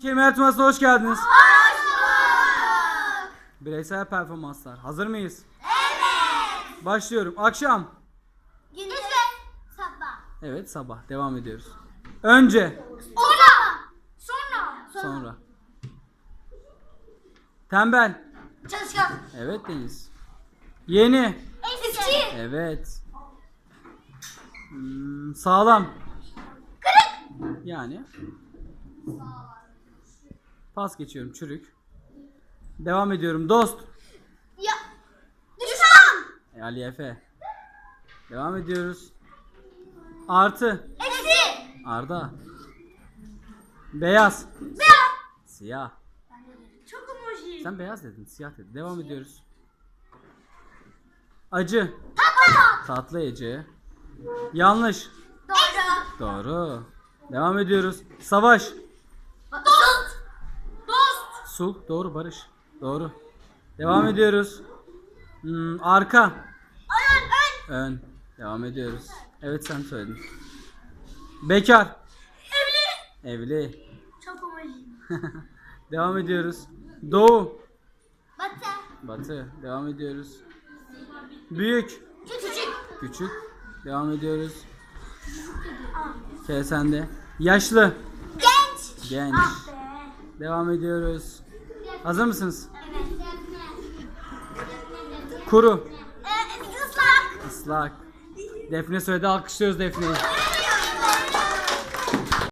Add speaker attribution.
Speaker 1: Kemer Turnuvası'na hoş geldiniz.
Speaker 2: Hoş bulduk.
Speaker 1: Bireysel performanslar. Hazır mıyız? Evet. Başlıyorum. Akşam.
Speaker 2: Gündüz. Sabah.
Speaker 1: Evet, sabah. Devam ediyoruz. Önce. Sonra. Tembel.
Speaker 2: Çalışkan.
Speaker 1: Evet Deniz. Yeni.
Speaker 2: Eski.
Speaker 1: Evet. Sağlam.
Speaker 2: Kırık.
Speaker 1: Yani. Pas geçiyorum. Çürük. Devam ediyorum. Dost.
Speaker 2: Ya. Düşman.
Speaker 1: Ali Efe. Devam ediyoruz. Artı.
Speaker 2: Eksi.
Speaker 1: Arda. Beyaz.
Speaker 2: Beyaz.
Speaker 1: Siyah.
Speaker 2: Çok emoji.
Speaker 1: Sen beyaz dedin, siyah dedin. Devam ediyoruz. Acı.
Speaker 2: Tatlı.
Speaker 1: Tatlı Ece. Yanlış.
Speaker 2: Doğru.
Speaker 1: Doğru. Devam ediyoruz. Savaş.
Speaker 2: Dost. Dost.
Speaker 1: Sulh. Doğru. Barış. Doğru. Devam ediyoruz. Arka.
Speaker 2: Ön.
Speaker 1: Ön. Devam ediyoruz. Evet, sen söyledin. Bekar.
Speaker 2: Evli.
Speaker 1: Evli.
Speaker 2: Çok emoji.
Speaker 1: Devam ediyoruz. Doğu.
Speaker 2: Batı.
Speaker 1: Batı. Devam ediyoruz. Büyük.
Speaker 2: Küçük.
Speaker 1: Küçük. Devam ediyoruz. Sende. Yaşlı.
Speaker 2: Genç.
Speaker 1: Genç.
Speaker 2: Ah be.
Speaker 1: Devam ediyoruz. Hazır mısınız?
Speaker 2: Evet.
Speaker 1: Kuru.
Speaker 2: Islak.
Speaker 1: Islak. Defne söyledi, alkışlıyoruz Defne'yi.